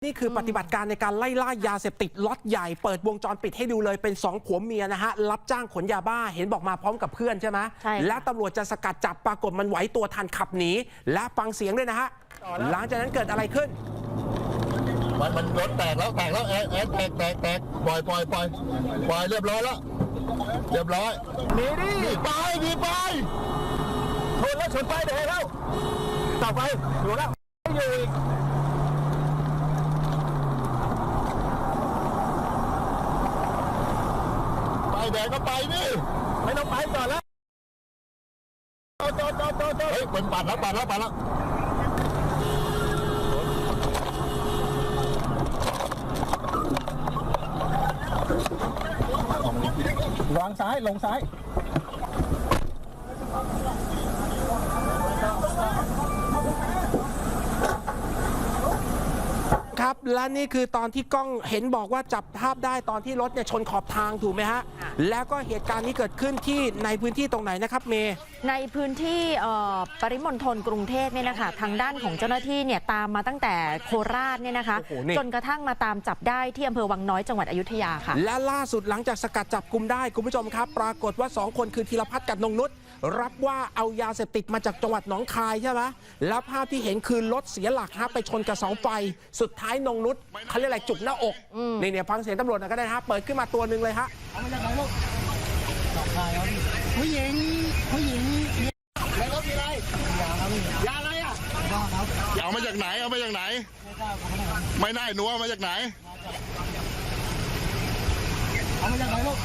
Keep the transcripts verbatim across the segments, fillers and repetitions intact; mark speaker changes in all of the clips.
Speaker 1: นี่คือปฏิบัติการในการไล่ล่ายาเสพติดล็อตใหญ่เปิดวงจรปิดให้ดูเลยเป็นสองผัวเมียนะฮะรับจ้างขนยาบ้าเห็นบอกมาพร้อมกับเพื่อนใช่ไหมใช่และตำรวจจะสกัดจับปรากฏมันไหวตัวทันขับหนีและฟังเสียงด้วยนะฮะหลังจากนั้นเกิดอะไรขึ้น
Speaker 2: มันมันรถแตกแล้วแตกแล้วแอะแอะแตกแตกแตกปล่อยปล่อยปล่อยปล่อยเรียบร้อยแล้วเรียบร้อย
Speaker 1: หนีดิ
Speaker 2: หนีไปหนีไปชนแล้วชนไปเดี๋ยวแล้วต่อไปอยู่แล้วอยู่อีกไปแดงก็ไปนี่ไม่ต้องไปก่อนแล้วโตโตโตโตโตเฮ้ยเป็นปัดแล้วปัดแล้วปัดแล้ววางซ้ายลงซ้าย
Speaker 1: ครับและนี่คือตอนที่กล้องเห็นบอกว่าจับภาพได้ตอนที่รถเนี่ยชนขอบทางถูกไหมฮะแล้วก็เหตุการณ์นี้เกิดขึ้นที่ในพื้นที่ตรงไหนนะครับเมย์
Speaker 3: ในพื้นที่ปริมณฑลกรุงเทพเนี่ยนะคะทางด้านของเจ้าหน้าที่เนี่ยตามมาตั้งแต่โคราชเนี่ยนะคะจนกระทั่งมาตามจับได้ที่อำเภอวังน้อยจังหวัดอยุธยาค่ะ
Speaker 1: และล่าสุดหลังจากสกัดจับกุมได้คุณผู้ชมครับปรากฏว่าสองคนคือธีรพัฒน์กับนงนุชรับว่าเอายาเสพติดมาจากจังหวัดหนองคายใช่ไหมแล้วภาพที่เห็นคือรถเสียหลักฮะไปชนกับเสาไฟสุดท้ายนงนุชเขาเรียกอะไรจุกหน้าอกนี่เนี่ยฟังเสียงตำรวจหน่อยก็ได้ฮะเปิดขึ้นมาตัวหนึ่งเลยฮะ
Speaker 2: ผู้หญิงผู้หญิงในรถมีอะไรยาอะไรอ่ะเอามาจากไหนเอามาจากไหนไม่ได้หนูเอามาจากไหนเอามาจากไหนลูก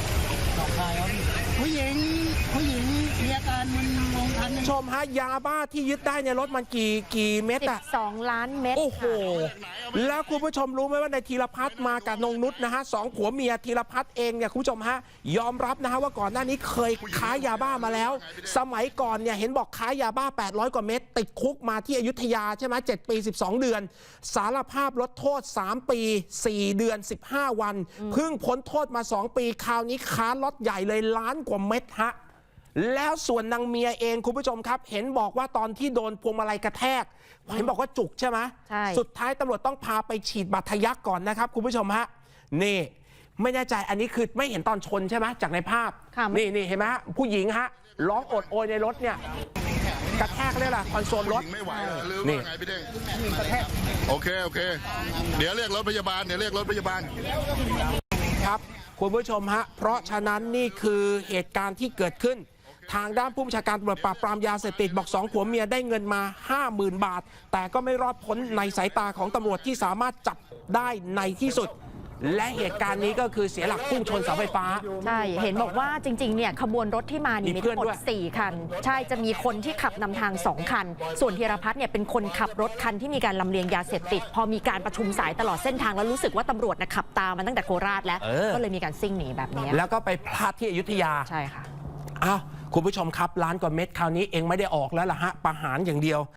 Speaker 2: ผู้หญิงผู้หญิงมีอาการมึนงงทัน
Speaker 1: ชมฮะยาบ้าที่ยึดได้ในรถมันกี่กี่เม็ดอะ
Speaker 3: สองล้านเม็ด
Speaker 1: โอ้โหแล้วคุณผู้ชมรู้ไหมว่าในธีรพัฒน์มากับนงนุชนะฮะสองผัวเมียธีรพัฒน์เองเนี่ยคุณผู้ชมฮะยอมรับนะฮะว่าก่อนหน้านี้เคยค้ายาบ้ามาแล้วสมัยก่อนเนี่ยเห็นบอกค้ายาบ้าแปดร้อยกว่าเม็ดติดคุกมาที่อยุธยาใช่ไหมเจ็ดปีสิบสองเดือนสารภาพลดโทษสามปีสี่เดือนสิบห้าวันเพิ่งพ้นโทษมาสองปีคราวนี้ค้าล็อตใหญ่เลยล้านกว่าเม็ดฮะแล้วส่วนนางเมียเองคุณผู้ชมครับเห็นบอกว่าตอนที่โดนพวงมาลัยกระแทกเห็นบอกว่าจุกใช่ไหมใช่สุดท้ายตำรวจต้องพาไปฉีดบาดทะยักก่อนนะครับคุณผู้ชมฮะนี่ไม่แน่ใจอันนี้คือไม่เห็นตอนชนใช่ไหมจากในภาพนี่นี่เห็นไหมฮะผู้หญิงฮะร้องโอดโอยในรถเนี่ยกระแทกเลยล่ะคอนโซลรถ
Speaker 2: ไม่ไหวหรือว่าไงพี่เด้งโอเคโอเคเดี๋ยวเรียกรถพยาบาลเดี๋ยวเรียกรถพยาบาล
Speaker 1: ครับคุณผู้ชมฮะเพราะฉะนั้นนี่คือเหตุการณ์ที่เกิดขึ้นทางด้านผู้บัญชาการตำรวจปราบปรามยาเสพติดบอกสองผัวเมียได้เงินมา ห้าหมื่น บาทแต่ก็ไม่รอดพ้นในสายตาของตำรวจที่สามารถจับได้ในที่สุดและเหตุการณ์นี้ก็คือเสียหลักพุ่งชนเสาไฟฟ้า
Speaker 3: ใช่เห็นบอกว่าจริงๆเนี่ยขบวนรถที่มานี่มีทั้งหมดสี่คันใช่จะมีคนที่ขับนำทางสองคันส่วนธีรพัฒน์เนี่ยเป็นคนขับรถคันที่มีการลำเลียงยาเสพติดพอมีการประชุมสายตลอดเส้นทางแล้วรู้สึกว่าตำรวจนะขับตามมาตั้งแต่โคราชแล้วก็เลยมีการซิ่งหนีแบบนี้
Speaker 1: แล้วก็ไปพลาดที่อยุธยา
Speaker 3: ใช่ค่ะ
Speaker 1: อ้าวคุณผู้ชมครับล้านกว่าเม็ดคราวนี้เองไม่ได้ออกแล้วล่ะฮะประหารอย่างเดียว